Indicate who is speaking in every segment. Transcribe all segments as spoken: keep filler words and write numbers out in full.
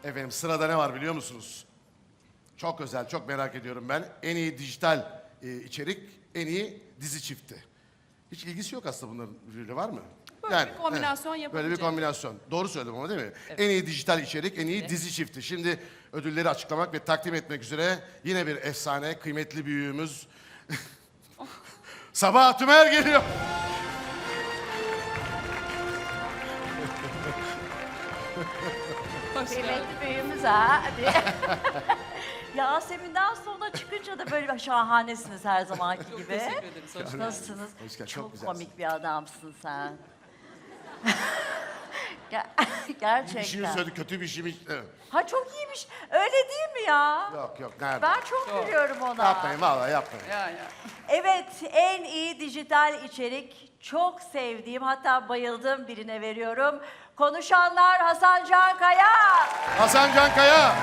Speaker 1: Efendim sırada ne var biliyor musunuz? Çok özel, çok merak ediyorum ben. En iyi dijital e, içerik, en iyi dizi çifti. Hiç ilgisi yok aslında bunların birbiriyle, var mı?
Speaker 2: Böyle bir kombinasyon
Speaker 1: Böyle bir
Speaker 2: yapabileceğim.
Speaker 1: kombinasyon. Doğru söyledim ama değil mi? En iyi dijital içerik, en iyi
Speaker 2: Evet.
Speaker 1: dizi çifti. Şimdi ödülleri açıklamak ve takdim etmek üzere yine bir efsane, kıymetli büyüğümüz Sabah Tümer geliyor.
Speaker 2: Hoş geldin.
Speaker 3: Kıymetli büyüğümüz ha. Hadi. Yasemin'den sonra çıkınca da böyle şahanesiniz her zamanki
Speaker 2: Çok
Speaker 3: gibi.
Speaker 2: teşekkür ederiz. Hoş geldiniz.
Speaker 3: Nasılsınız?
Speaker 1: Hoş geldin, çok
Speaker 3: Çok
Speaker 1: güzelsin.
Speaker 3: komik bir adamsın sen. Ger-
Speaker 1: Bir
Speaker 3: Gerçekten.
Speaker 1: şeyi söyledi, kötü bir şey mi? Evet.
Speaker 3: Ha çok iyiymiş. Öyle değil mi ya?
Speaker 1: Yok yok, nerede?
Speaker 3: Ben çok
Speaker 2: Çok.
Speaker 3: gülüyorum ona.
Speaker 1: Yapmayın vallahi yapmayın.
Speaker 2: Ya ya.
Speaker 3: Evet, en iyi dijital içerik çok sevdiğim, hatta bayıldığım birine veriyorum. Konuşanlar Hasan Can Kaya.
Speaker 1: Hasan Can Kaya.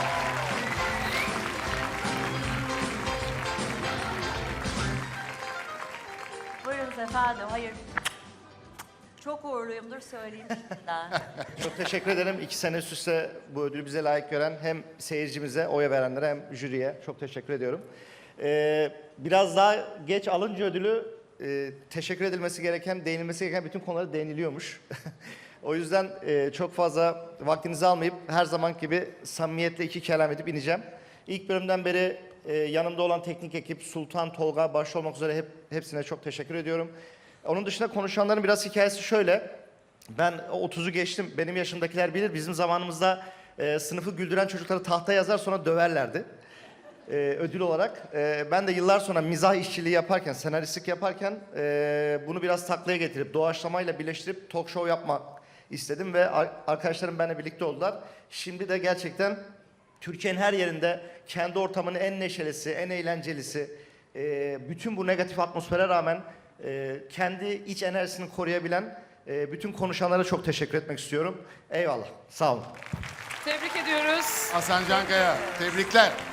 Speaker 3: Buyurunuz efendim. Hayır. Çok uğurluyumdur söyleyeyim şimdiden.
Speaker 4: Çok teşekkür ederim. İki sene üst üste bu ödülü bize layık gören hem seyircimize, oya verenlere hem jüriye çok teşekkür ediyorum. Ee, biraz daha geç alınca ödülü e, teşekkür edilmesi gereken, değinilmesi gereken bütün konulara değiniliyormuş. O yüzden e, çok fazla vaktinizi almayıp her zaman gibi samimiyetle iki kelam edip ineceğim. İlk bölümden beri e, yanımda olan teknik ekip Sultan, Tolga başta olmak üzere hep, hepsine çok teşekkür ediyorum. Onun dışında konuşanların biraz hikayesi şöyle. Ben otuzu geçtim. Benim yaşımdakiler bilir. Bizim zamanımızda e, sınıfı güldüren çocukları tahtaya yazar sonra döverlerdi. E, ödül olarak. E, ben de yıllar sonra mizah işçiliği yaparken, senaristlik yaparken e, bunu biraz taklaya getirip doğaçlamayla birleştirip talk show yapmak istedim ve ar- arkadaşlarım benimle birlikte oldular. Şimdi de gerçekten Türkiye'nin her yerinde kendi ortamının en neşelisi, en eğlencelisi, e, bütün bu negatif atmosfere rağmen e, kendi iç enerjisini koruyabilen e, bütün konuşanlara çok teşekkür etmek istiyorum. Eyvallah. Sağ olun.
Speaker 2: Tebrik ediyoruz.
Speaker 1: Hasan Can Kaya. Tebrikler.